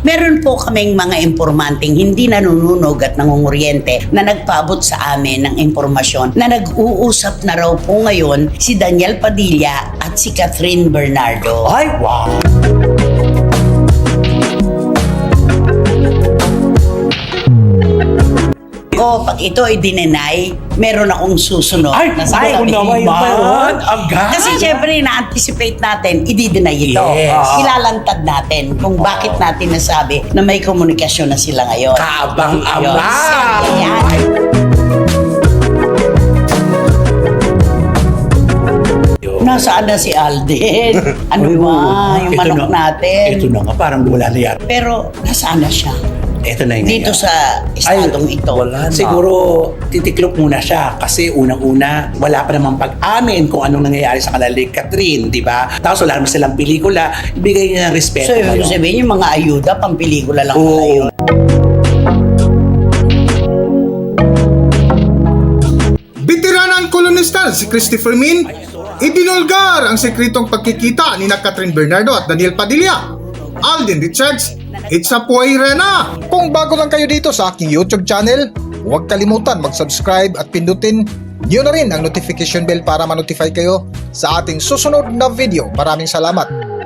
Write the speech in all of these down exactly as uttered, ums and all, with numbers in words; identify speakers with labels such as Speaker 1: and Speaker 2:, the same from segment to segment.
Speaker 1: Meron po kaming mga impormanting hindi nanununog at nangunguryente na nagpaabot sa amin ng impormasyon na nag-uusap na raw po ngayon si Daniel Padilla at si Catherine Bernardo.
Speaker 2: Ay, wow!
Speaker 1: O pag ito ay dinenay, meron akong susunod
Speaker 2: Ay,
Speaker 1: na
Speaker 2: ay,
Speaker 1: sasabihin.
Speaker 2: naman yun. Agad.
Speaker 1: Kasi syempre, na-anticipate natin, i-deny ito.
Speaker 2: Yes.
Speaker 1: Ilalantad natin kung bakit natin nasabi na may komunikasyon na sila ngayon.
Speaker 2: Kabang
Speaker 1: Yun.
Speaker 2: ama!
Speaker 1: Sabi yan. Nasaan na si Alden? Ano
Speaker 2: Ay,
Speaker 1: ba?
Speaker 2: oo.
Speaker 1: Yung
Speaker 2: Ito
Speaker 1: manok
Speaker 2: na-
Speaker 1: natin.
Speaker 2: Ito na nga, parang wala na yan.
Speaker 1: Pero nasaan na siya?
Speaker 2: Ito na yun.
Speaker 1: Dito sa estadong ito.
Speaker 3: wala na.
Speaker 2: Siguro titiklop muna siya kasi unang-una wala pa namang pag-amin kung anong nangyayari sa kanila ni Catherine, di ba? Tapos wala naman silang pelikula, ibigay niya ng respeto.
Speaker 1: So, ibig
Speaker 2: ngayon.
Speaker 1: sabihin, yung mga ayuda, pang pelikula lang
Speaker 2: Oo.
Speaker 1: pala yun.
Speaker 4: Veteranang kolonista si Christopher Min, ibinulgar ang sekretong pagkikita ni na Catherine Bernardo at Daniel Padilla. Alden Richards, it's a puwera na! Kung bago lang kayo dito sa aking YouTube channel, huwag kalimutan mag-subscribe at pindutin nyo na rin ang notification bell para ma-notify kayo sa ating susunod na video. Maraming salamat!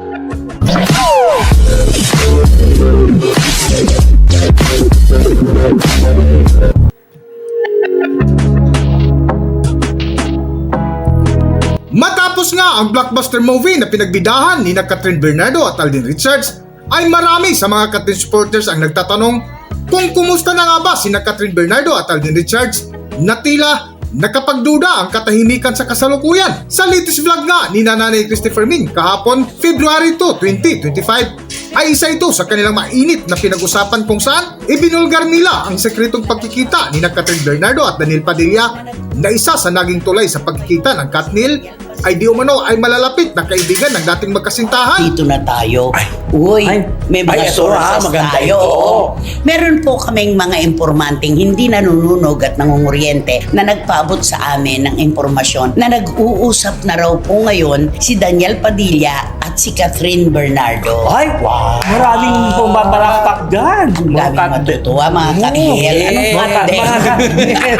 Speaker 4: Matapos nga ang blockbuster movie na pinagbidahan ni na Catherine Bernardo at Alden Richards, ay marami sa mga Catherine supporters ang nagtatanong kung kumusta na nga ba si na Catherine Bernardo at Alden Richards na tila nakapagduda ang katahimikan sa kasalukuyan. Sa latest vlog nga ni Nanay Christopher Min kahapon, February two, twenty twenty-five, ay isa ito sa kanilang mainit na pinag-usapan kung saan ibinulgar nila ang sekretong pagkikita ni na Catherine Bernardo at Daniel Padilla na isa sa naging tulay sa pagkikita ng Katnil ay di umano ay malalapit na kaibigan ng dating magkasintahan.
Speaker 1: Dito na tayo.
Speaker 2: Ay.
Speaker 1: Uy,
Speaker 2: Ay.
Speaker 1: may mga
Speaker 2: Ay, ito,
Speaker 1: sources
Speaker 2: ah, maganda
Speaker 1: tayo.
Speaker 2: ito.
Speaker 1: Oo. Meron po kaming mga impormanting hindi nanununog at nangunguryente na nagpaabot sa amin ng impormasyon na nag-uusap na raw po ngayon si Daniel Padilla at si Catherine Bernardo.
Speaker 3: Ay, wow! Maraming pumaparakpak dyan.
Speaker 1: Ang daming matutuwa, mga Katniel.
Speaker 2: yes.
Speaker 1: Anong
Speaker 3: Mga
Speaker 1: Katniel?
Speaker 3: mga Katniel.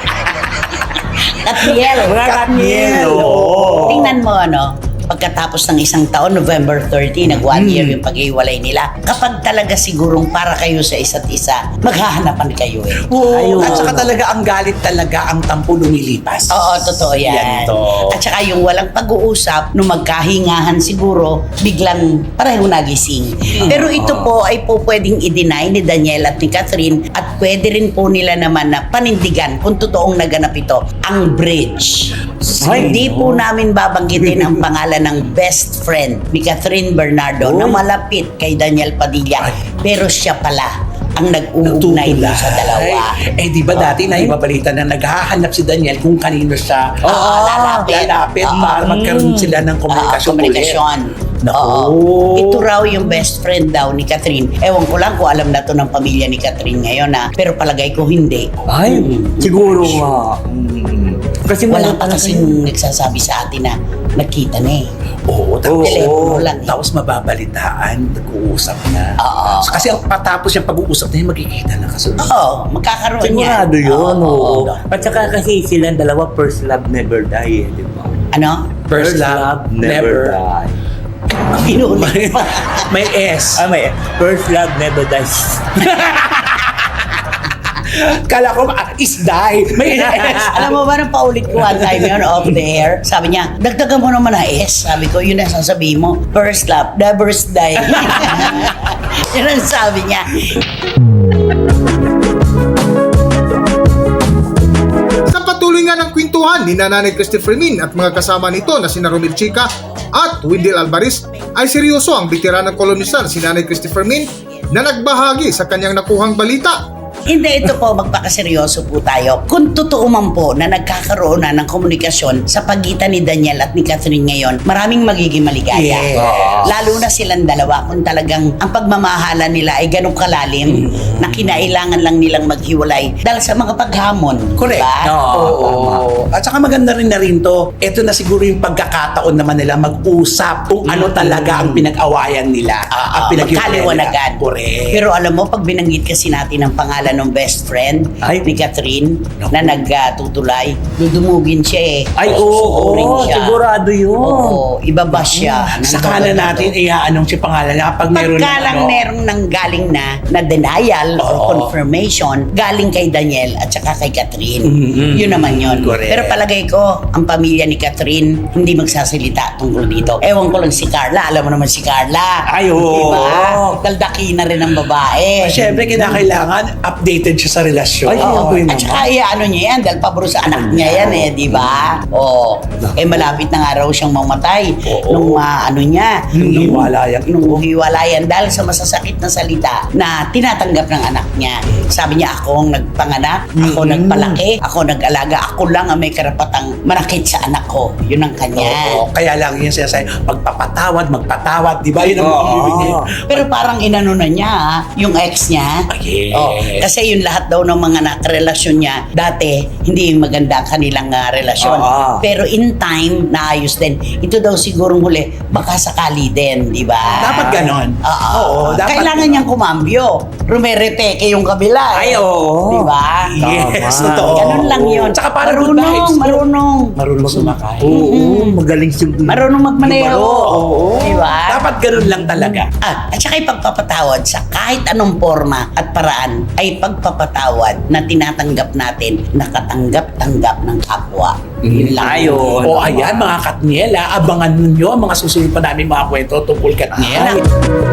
Speaker 1: Katniel.
Speaker 3: Mga Katniel. Oo.
Speaker 1: Tingnan mo, ano, pagkatapos ng isang taon, November thirty, nag one year yung paghiwalay nila. Kapag talaga sigurong para kayo sa isa't isa, maghahanapan kayo eh.
Speaker 2: Oo. At saka talaga ang galit talaga ang tampo lumilipas.
Speaker 1: Oo, totoo yan.
Speaker 2: Yan to.
Speaker 1: At saka yung walang pag-uusap, nung magkahingahan siguro, biglang pareho nagising. Pero ito po ay po pwedeng i-deny ni Daniel at ni Catherine at pwede rin po nila naman na panindigan kung totoong naganap ito, ang bridge.
Speaker 3: Ay,
Speaker 1: Hindi po namin babanggitin ang pangalan ng best friend ni Catherine Bernardo na malapit kay Daniel Padilla. Pero siya pala ang nag-uugnay dun sa dalawa.
Speaker 2: Eh di ba dati na ibabalita na naghahanap si Daniel kung kanino siya
Speaker 1: Oo, lalapit.
Speaker 2: lalapit
Speaker 1: Oo.
Speaker 2: para magkaroon sila ng komunikasyon.
Speaker 1: Oo, komunikasyon.
Speaker 2: Naku.
Speaker 1: Oo. Ito raw yung best friend daw ni Catherine. Ewan ko lang kung alam na to ng pamilya ni Catherine ngayon ha. Pero palagay ko hindi.
Speaker 3: Ay, siguro nga. Mm. Kasi
Speaker 1: Wala
Speaker 3: wala
Speaker 1: pa kasing nagsasabi sa atin na nakita na eh.
Speaker 2: Oo, tapos,
Speaker 1: Telepono lang eh.
Speaker 2: tapos mababalitaan, nag-uusap na.
Speaker 1: Oo.
Speaker 2: So, kasi ang patapos yung pag-uusap na yun, magkikita na kasunod.
Speaker 1: Oo, magkakaroon
Speaker 3: Sigurado
Speaker 1: yan.
Speaker 3: yun, oo.
Speaker 1: oo.
Speaker 3: At saka kasi silang dalawa, first love never die, eh, di ba?
Speaker 1: Ano?
Speaker 2: First love, never.
Speaker 3: die.
Speaker 1: Pinulit pa.
Speaker 2: May S.
Speaker 3: Ah, may first love never dies.
Speaker 2: Kala ko, ah, is die. May S.
Speaker 1: Alam mo ba, nang paulit ko one time yun off the air, sabi niya, dagdagan mo naman na S. Sabi ko, yun ang sasabihin mo, first love, never die. Yun ang sabi niya.
Speaker 4: Sa patuloy nga ng kwentuhan ni Nanay Christopher Min at mga kasama nito na sina Romel Chica at Wendell Alvarez, ay seryoso ang veteranang kolonista na si Nanay Christopher Min na nagbahagi sa kanyang nakuhang balita.
Speaker 1: Hindi, ito po, magpakaseryoso po tayo. Kung totoo man po na nagkakaroon na ng komunikasyon sa pagitan ni Daniel at ni Catherine ngayon, maraming magiging maligaya.
Speaker 2: Yes.
Speaker 1: Lalo na silang dalawa kung talagang ang pagmamahala nila ay ganong kalalim
Speaker 2: Mm.
Speaker 1: na kinailangan lang nilang maghiwalay dahil sa mga paghamon.
Speaker 2: Correct.
Speaker 1: Diba?
Speaker 2: Oo. At saka maganda rin na rin to, ito na siguro yung pagkakataon naman nila mag-usap kung ano talaga ang pinag-awayan nila.
Speaker 1: Ah,
Speaker 2: ang pinaghiwalayan
Speaker 1: magkaliwanagan.
Speaker 2: nila. Correct.
Speaker 1: Pero alam mo, pag binanggit kasi natin ang pangalan ng best friend
Speaker 3: Ay.
Speaker 1: ni Catherine
Speaker 2: Naku.
Speaker 1: na nagtutulay, dudumugin siya eh.
Speaker 3: Ay, oo,
Speaker 1: Sususurin
Speaker 3: oo,
Speaker 1: siya.
Speaker 3: sigurado yun.
Speaker 1: Oo, ibaba siya. ng
Speaker 2: Saka na
Speaker 1: todo-todo.
Speaker 2: natin iyaanong si pangalan niya kapag meron
Speaker 1: Pagka
Speaker 2: ng
Speaker 1: lang
Speaker 2: ano.
Speaker 1: merong nang galing na na denial or
Speaker 2: Oo.
Speaker 1: confirmation galing kay Daniel at saka kay Catherine.
Speaker 2: Mm-mm.
Speaker 1: Yun naman yun.
Speaker 2: Correct.
Speaker 1: Pero palagay ko, ang pamilya ni Catherine hindi magsasalita tungkol dito. Ewan ko lang si Carla. Alam mo naman si Carla.
Speaker 3: Ay, oo.
Speaker 1: Diba? Daldaki na rin ang babae.
Speaker 2: Siyempre, kinakailangan updated siya sa relasyon.
Speaker 3: Ay,
Speaker 1: Oo.
Speaker 3: siyempre
Speaker 1: At
Speaker 3: naman.
Speaker 1: saka ano niya yan, dahil paboro sa anak niya yan eh, di ba? Oo. Eh malapit na nga raw siyang mamatay
Speaker 2: Oo.
Speaker 1: nung ah, ano niya,
Speaker 2: Nung hiwalayan ito.
Speaker 1: nung hiwalayan dahil sa masasakit na salita na tinatanggap ng anak niya. Sabi niya, ako ang nagpanganak, ako
Speaker 2: Mm.
Speaker 1: nagpalaki, ako nag-alaga, ako lang ang may karapatang manakit sa anak ko. Yun ang kanya.
Speaker 2: Oo. Kaya lang yun siya sa'yo, magpapatawad, magpatawad. Di ba? Yun ang
Speaker 3: Oo.
Speaker 2: ibig niya.
Speaker 1: Pero parang inano na niya, ah, yung ex niya.
Speaker 2: Ah, yes.
Speaker 1: Oh, kasi yung lahat daw ng mga nakarelasyon niya, dati, hindi maganda ang kanilang ah, relasyon.
Speaker 3: Oo.
Speaker 1: Pero in time, naayos din. Ito daw sigurong huli, baka sakali din, di ba?
Speaker 2: Dapat ganon.
Speaker 1: Oo.
Speaker 2: Oo, dapat
Speaker 1: Kailangan
Speaker 2: ganon.
Speaker 1: niyang kumambyo. Rumerepeke yung kabila.
Speaker 3: Ay, oo.
Speaker 1: Di ba?
Speaker 2: Yes,
Speaker 3: Tama.
Speaker 2: totoo.
Speaker 1: Ganun lang yun.
Speaker 2: Tsaka parang good
Speaker 1: marunong,
Speaker 2: vibes.
Speaker 1: marunong.
Speaker 2: Marunong sumakay.
Speaker 3: Oo, magaling si...
Speaker 1: Marunong magmaneho.
Speaker 3: Oo.
Speaker 1: Di ba?
Speaker 2: Dapat ganun lang talaga.
Speaker 1: Ah, at saka ipagpapatawad sa kahit anong forma at paraan ay pagpapatawad na tinatanggap natin, nakatanggap-tanggap ng kapwa. Yun lang.
Speaker 3: Ayun.
Speaker 2: O ayan mga Katniela, abangan ninyo ang mga susunod pa namin mga kwento tungkol Katniela.
Speaker 1: Ay.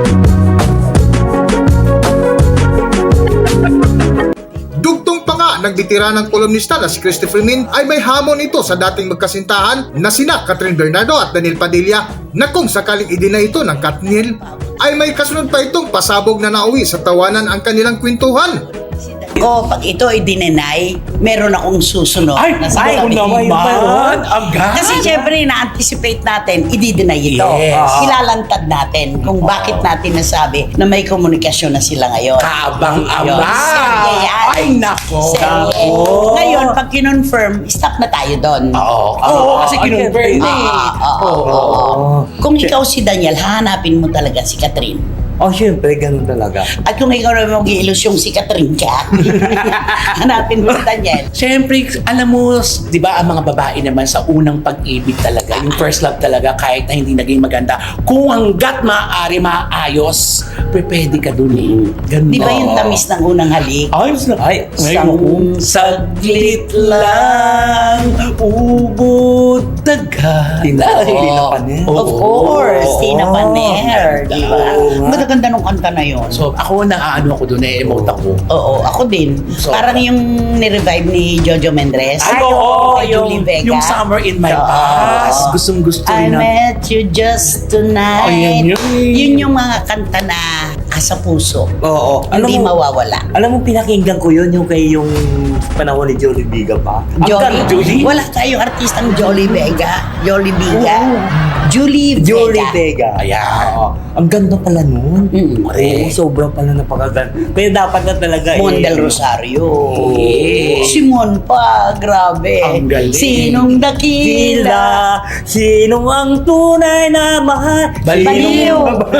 Speaker 4: Dugtong pa nga ng bitiranang kolumnista na si Christopher Min ay may hamon ito sa dating magkasintahan na sina Catherine Bernardo at Daniel Padilla na kung sakaling idina ito ng Katniel ay may kasunod pa itong pasabog na nauwi sa tawanan ang kanilang kwentuhan.
Speaker 1: Ko, pag ito ay dinenay, meron akong susunod.
Speaker 2: Ay,
Speaker 1: na
Speaker 2: ay,
Speaker 1: sasabihin.
Speaker 2: naman, man, agad.
Speaker 1: Kasi syempre, na-anticipate natin, i-deny ito.
Speaker 2: Yes.
Speaker 1: Ilalantad natin kung bakit natin nasabi na may komunikasyon na sila ngayon.
Speaker 2: Kaabang-abang.
Speaker 1: Yun, serye yan.
Speaker 2: Ay, nako.
Speaker 1: Serye.
Speaker 2: Nako.
Speaker 1: Ngayon, pag kinonfirm, stop na tayo doon.
Speaker 2: Oo. Oo, kasi kinonfirm na eh.
Speaker 1: Ah, ah, ah, ah, ah. Kung ikaw si Daniel, hahanapin mo talaga si Catherine.
Speaker 3: Oh, syempre, ganun talaga.
Speaker 1: At kung ikaw na mag-iilusyong si Catherine ka, hanapin mo si Daniel.
Speaker 2: Siyempre, alam mo, di ba, ang mga babae naman sa unang pag-ibig talaga, yung first love talaga, kahit na hindi naging maganda, kung hanggat maaari maayos, pwede ka dun eh. Ganun.
Speaker 1: Di ba yung tamis ng unang halik?
Speaker 2: Ay, ay,
Speaker 1: Sang-
Speaker 2: saglit lang, ubod dagat.
Speaker 3: Tina-
Speaker 2: Ay,
Speaker 3: Tina Paner.
Speaker 1: Of course, Tina Paner, di ba?
Speaker 3: Oo nga.
Speaker 1: Maganda nung kanta na yun.
Speaker 2: So, ako na ano ako dun, eh-emote ako.
Speaker 1: Oo, ako din.
Speaker 2: So,
Speaker 1: Parang yung nirevive ni Jojo Mendrez.
Speaker 2: Ay, oo,
Speaker 1: kay
Speaker 2: yung,
Speaker 1: Julie Vega.
Speaker 2: yung Summer in My
Speaker 1: Oo.
Speaker 2: Past. Gustong gusto
Speaker 1: I
Speaker 2: rin na.
Speaker 1: met you just tonight.
Speaker 2: Ayan yun.
Speaker 1: Yun yung mga kanta na asa puso.
Speaker 3: Oo.
Speaker 1: Hindi
Speaker 3: mo,
Speaker 1: mawawala.
Speaker 3: Alam mo, pinakinggan ko yun yung kay yung panahon ni Jolie Biga pa. Ang
Speaker 1: Jolie,
Speaker 3: ganda, Julie?
Speaker 1: Wala tayong artistang Jolie Vega. Jolie Vega. Julie Vega.
Speaker 3: Jolie Vega.
Speaker 2: Ayan.
Speaker 3: Oo. Ang ganda pala nun.
Speaker 1: Mm.
Speaker 3: Oo, sobrang pala napakaganda. Kaya dapat na talaga
Speaker 1: Mon
Speaker 3: eh,
Speaker 1: del Rosario.
Speaker 2: Yes.
Speaker 1: Simon pa, grabe.
Speaker 2: Ang galing.
Speaker 1: Sinong dakila?
Speaker 3: Sila, sino ang tunay na mahal?
Speaker 1: Baliw.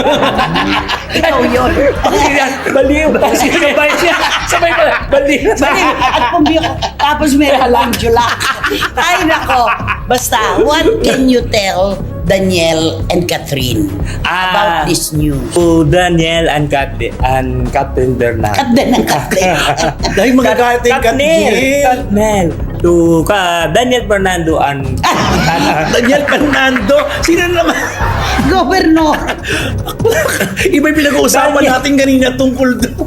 Speaker 1: Ikaw yun.
Speaker 3: Baliw. Sabay siya. Sabay pala. Baliw.
Speaker 1: Baliw. At pumbiyo. Tapos may halanjula. Ay, nako. Basta, what can you tell Daniel and Catherine
Speaker 3: Ah.
Speaker 1: about this news?
Speaker 3: To Daniel and Catherine, and Catherine Bernard.
Speaker 1: Kat din ang Catherine.
Speaker 2: Dahil magagalit yung
Speaker 3: Katnel.
Speaker 2: Katniel.
Speaker 3: Katnel. To ka Daniel Fernando and
Speaker 2: Daniel Fernando. Sino naman?
Speaker 1: Gobernador.
Speaker 2: Iba yung pinag-uusapan
Speaker 3: Daniel.
Speaker 2: natin kanina tungkol doon.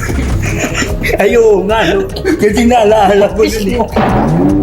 Speaker 3: Ayo nga, no? Kasi naalala ko yun eh.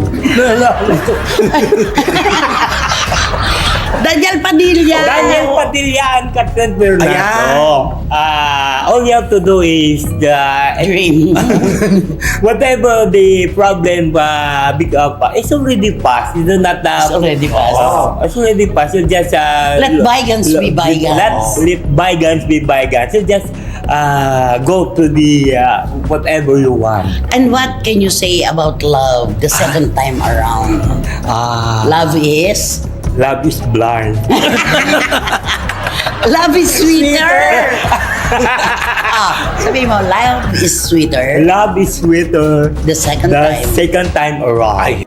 Speaker 3: Naalala ko.
Speaker 1: Daniel Padilla.
Speaker 3: Daniel Padilla. Model yan, Catherine Bernardo. Ah, all you have to do is the
Speaker 1: Dream.
Speaker 3: whatever the problem uh, big up, uh, it's already passed. You do not uh,
Speaker 1: It's already passed.
Speaker 3: Oh, it's already passed. You just uh,
Speaker 1: Let bygones be bygones.
Speaker 3: Let, let bygones be bygones. You just uh, go to the uh, whatever you want.
Speaker 1: And what can you say about love the second time around?
Speaker 3: Ah,
Speaker 1: Love is?
Speaker 3: love is blind.
Speaker 1: Love is sweeter! ah, sabi mo, love is sweeter
Speaker 3: Love is sweeter
Speaker 1: the second
Speaker 3: the
Speaker 1: time.
Speaker 3: second time around.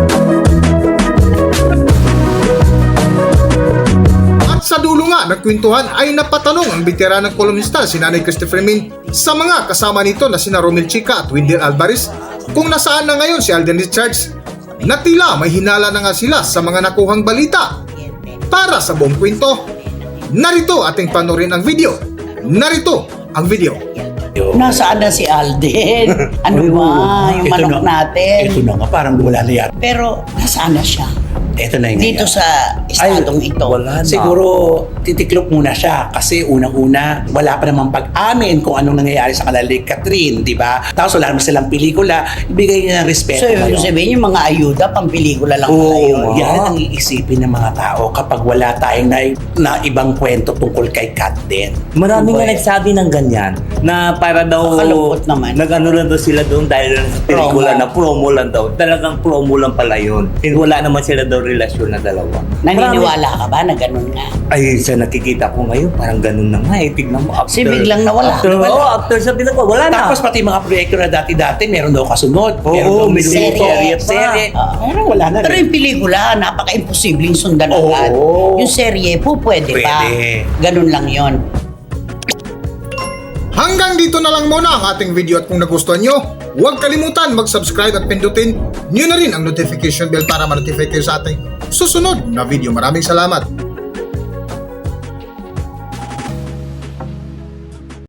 Speaker 4: At sa dulo nga ng kwentuhan ay napatanong ang veteranang kolumnista si Nanay Christopher Min sa mga kasama nito na sina Romel Chica at Wendell Alvarez kung nasaan na ngayon si Alden Richards na tila may hinala na nga sila sa mga nakuhang balita. Para sa buong kwento, narito ating panorin ang video. Narito ang video.
Speaker 1: Nasaan na si Alden? Ano
Speaker 2: Ay,
Speaker 1: ba?
Speaker 2: oo.
Speaker 1: Yung
Speaker 2: Ito
Speaker 1: manok
Speaker 2: na-
Speaker 1: natin.
Speaker 2: Ito na nga, parang wala na yan.
Speaker 1: Pero nasaan na siya?
Speaker 2: Ito na yun.
Speaker 1: Dito sa estadong ito.
Speaker 3: wala na.
Speaker 2: Siguro titiklop muna siya kasi unang-una wala pa namang pag-amin kung anong nangyayari sa kanila ni Catherine, di ba? Tapos wala naman silang pelikula, ibigay niya ng respeto.
Speaker 1: So, ibig
Speaker 2: ngayon.
Speaker 1: sabihin yung mga ayuda, pampelikula lang pala yun.
Speaker 2: Oo, yan ang iisipin ng mga tao kapag wala tayong na, na ibang kwento tungkol kay Cat din.
Speaker 3: Marami nga
Speaker 1: Well,
Speaker 3: nagsabi ng ganyan na para daw
Speaker 1: Nakakalungkot naman.
Speaker 3: nag-ano lang daw sila doon dahil lang sa pelikula
Speaker 1: Promo.
Speaker 3: na promo lang daw. Talagang promo lang pala yun. And wala naman sila daw relasyon na dalawa.
Speaker 1: Naniniwala ka ba na ganun nga?
Speaker 3: Ay, sa nakikita ko ngayon, parang ganun na nga eh. Tignan mo, after...
Speaker 1: Kasi biglang nawala.
Speaker 3: After,
Speaker 1: Nawala.
Speaker 3: oh, after sa pinagwa, wala na.
Speaker 2: Tapos pati mga proyekto na dati-dati, meron daw kasunod.
Speaker 3: Oo,
Speaker 2: meron daw
Speaker 3: may
Speaker 2: minuto,
Speaker 1: serye pa.
Speaker 2: serye.
Speaker 1: Ah.
Speaker 2: Meron wala na
Speaker 1: Pero
Speaker 2: rin.
Speaker 1: yung pelikula, napaka-imposibleng sundan
Speaker 2: Oo.
Speaker 1: agad. Yung serye po, pwede, pa.
Speaker 2: Pwede.
Speaker 1: Ganun lang yon.
Speaker 4: Hanggang dito na lang muna ang ating video at kung nagustuhan nyo, huwag kalimutan mag-subscribe at pindutin nyo na rin ang notification bell para ma-notify kayo sa ating susunod na video. Maraming salamat!